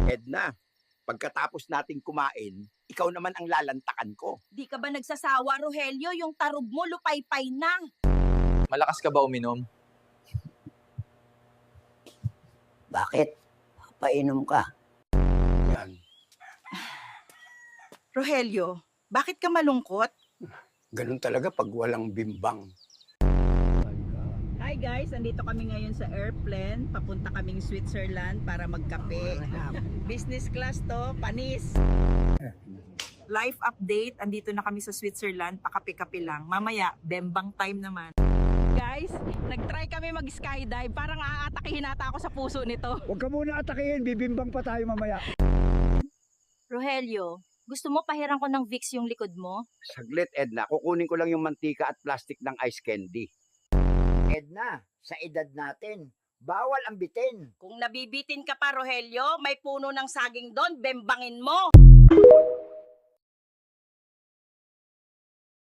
Edna, pagkatapos nating kumain, ikaw naman ang lalantakan ko. Di ka ba nagsasawa, Rogelio? Yung tarog mo, lupay-pay na. Malakas ka ba uminom? Bakit? Painom ka. Yan. Rogelio, bakit ka malungkot? Ganun talaga pag walang bimbang. Hi guys, andito kami ngayon sa airplane. Papunta kaming Switzerland para magkape. Business class to, panis. Life update, andito na kami sa Switzerland, pakape-kape lang. Mamaya, bembang time naman. Guys, nag-try kami mag-skydive. Parang aatakihin nata ako sa puso nito. Huwag ka muna atakihin, bibimbang pa tayo mamaya. Rogelio, gusto mo pahiram ko ng Vicks yung likod mo? Saglit, Edna. Kukunin ko lang yung mantika at plastic ng ice candy. Edna, sa edad natin, bawal ang bitin. Kung nabibitin ka pa, Rogelio, may puno ng saging doon, bembangin mo.